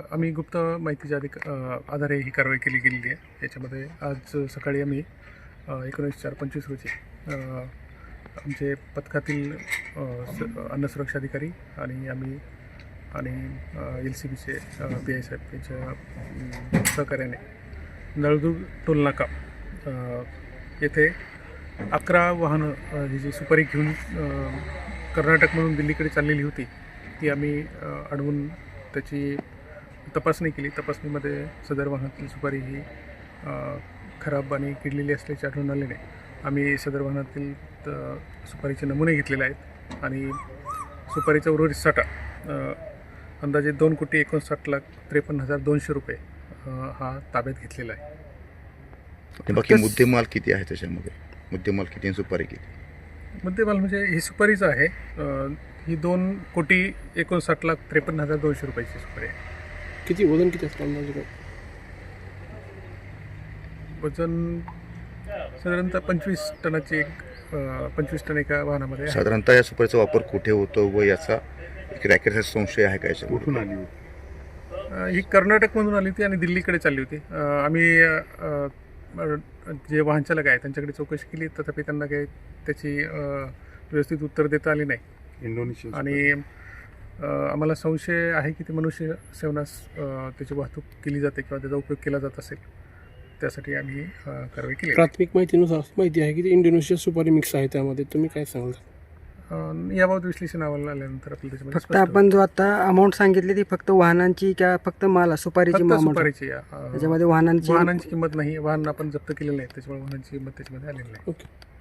आम्ही गुप्त माहितीच्या आधारे ही कारवाई केली गेलेली आहे. याच्यामध्ये आज सकाळी आम्ही 19/4/25 रोजी आमचे पथकातील अन्न सुरक्षा अधिकारी आणि LCBचे PI साहेब यांच्या सहकार्याने नळदुर्ग टोलनाका येथे 11 वाहनं ही जी सुपारी घेऊन कर्नाटकमधून दिल्लीकडे चाललेली होती ती आम्ही अडवून त्याची तपासणी केली. तपासणीमध्ये सदर वाहनातील सुपारी ही खराब आणि किडलेली असल्याचे आढळून आल्याने आम्ही सदर वाहनातील सुपारीचे नमुने घेतलेले आहेत आणि सुपारीचा उर्वरित साठा अंदाजे 2,59,53,200 रुपये हा ताब्यात घेतलेला आहे. बाकी मुद्देमाल किती आहे त्याच्यामध्ये? मुद्देमाल किती, सुपारी किती? मुद्देमाल म्हणजे ही सुपारीच आहे, ही 2,59,53,200 रुपयाची सुपारी आहे. किती वजन किती असतं अंदाजे? वजन साधारणतः 25 टनाची 25 टन एका वाहनामध्ये आहे. साधारणतः या सुपारीचा वापर कुठे होतो व याचा एक रॅकेटचा संशय आहे का? कुठून आली होती? ही कर्नाटकमधून आली होती आणि दिल्लीकडे चालली होती. आम्ही जे वाहन चालक आहे त्यांच्याकडे चौकशी केली, तथापि त्यांना काही त्याची व्यवस्थित उत्तर देता आली नाही. इंडोनेशिया आणि आम्हाला संशय आहे की ती मनुष्य सेवनास त्याची वाहतूक केली जाते किंवा त्याचा उपयोग केला जात असेल. त्यासाठी आम्ही कारवाई केली. प्राथमिक माहितीनुसार माहिती आहे की ती इंडोनेशिया सुपारी मिक्स आहे त्यामध्ये. तुम्ही काय सांगाल? याबाबत विश्लेषण अहवाल आल्यानंतर आपल्याला त्याच्यामध्ये फक्त आपण जो आता अमाऊंट सांगितली ती फक्त वाहनांची का फक्त माल सुपारीची फक्त amount? सुपारीची त्याच्यामध्ये वाहनांची किंमत नाही. वाहन आपण जप्त केलेलं नाही, त्याच्यामुळे वाहनांची किंमत त्याच्यामध्ये आलेली नाही. ओके.